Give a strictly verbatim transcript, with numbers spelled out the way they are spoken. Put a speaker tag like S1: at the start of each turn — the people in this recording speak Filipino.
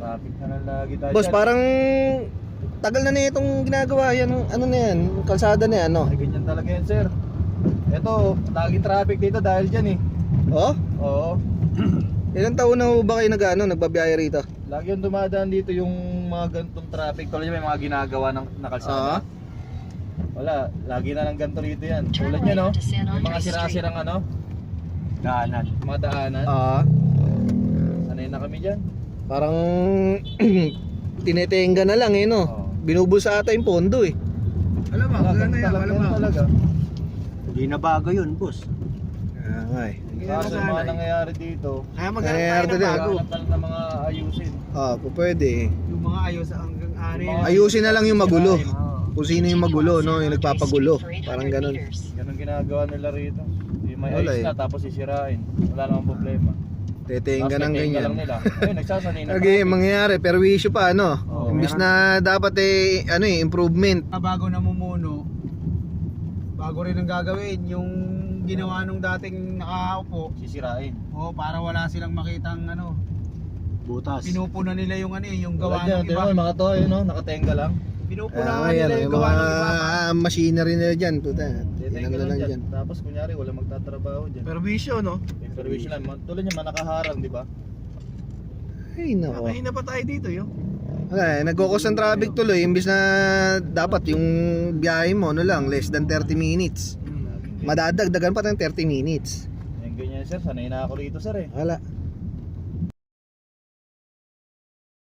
S1: Traffic na lang lagi tayo.
S2: Boss,
S1: dyan.
S2: parang tagal na na itong ginagawa yan. Ano na yan? Kalsada na yan, no?
S1: Ay, ganyan talaga yan, sir. Ito, laging traffic dito dahil dyan eh.
S2: Oh?
S1: Oo.
S2: Ilang taon na ho ba kayo nag, ano, nagbabiyahe rito?
S1: Lagi yung dumadaan dito yung mga ganitong traffic. Tuloy may mga ginagawa ng nakalsada.
S2: Ah.
S1: Wala, lagi na lang ganito rito yan. Tulad nyo, no? Yung mga sira-sirang ano? Daanan. Mga daanan.
S2: Ah.
S1: Sanay na kami dyan.
S2: Parang tinetenga na lang eh, no?
S1: Oo.
S2: Binubus ata yung pondo eh.
S3: Alam mo,
S1: Talaga,
S3: gano'n yan,
S1: talaga,
S3: alam mo.
S1: talaga.
S3: Hindi na bago yun, boss.
S2: Ah, ay.
S1: Kaso yung mga nangyayari dito,
S3: Kaya maghanap
S2: Nangyayari
S3: tayo ng
S2: din.
S3: bago.
S1: hanap na lang ng mga ayusin.
S2: Ah, po pwede eh.
S3: Yung mga ayos hanggang ari.
S1: Yung mga-
S2: Ayusin na lang yung magulo.
S1: Oo.
S2: Kung sino yung magulo, no? Yung nagpapagulo. Parang ganun.
S1: Ganun ginagawa nila rito. Yung may
S2: Wala
S1: ayos
S2: eh.
S1: na tapos sisirain. Wala namang problema.
S2: Tetenga ng
S1: Tapos tetenga
S2: ganyan.
S1: lang nila. Ayun, nagsasanay na.
S2: Okay, mangyayari, perwisyo pa, ano?
S1: Oo.
S2: Imbis na dapat eh, ano eh, improvement.
S3: Bago namumuno, bago rin ang gagawin yung ginawa nung dating nakaupo.
S1: Sisirain.
S3: O para wala silang makitang ano,
S4: Butas.
S3: pinupuna nila yung ano eh, yung
S1: Gawa
S3: gawa
S1: dyan,
S3: ng iba.
S1: tingnan mo, mga to, yun, no? Nakatenga lang.
S3: Pinupuna
S2: Ah,
S3: nila
S2: ayan,
S3: yung
S2: yung
S3: gawa
S2: mga
S3: ng iba.
S2: machinery nila dyan. Puta,
S1: Tetenga
S2: tinang na
S1: lang
S2: lang
S1: dyan.
S2: dyan.
S1: Tapos kunyari, wala magtatrabaho dyan.
S3: Pero bisyo, no?
S1: May permission lang. Ma- Tulad niya, manakaharang, di ba?
S2: Ay, nako.
S3: Mahina pa tayo dito, yo.
S2: Wala eh, nagkukos ng traffic tuloy. Imbis na dapat yung biyahe mo, ano lang, less than thirty minutes. Madadagdagan pa ng thirty minutes.
S1: Yung ganyan, sir. Sanay na ako rito, sir, eh.
S2: Wala.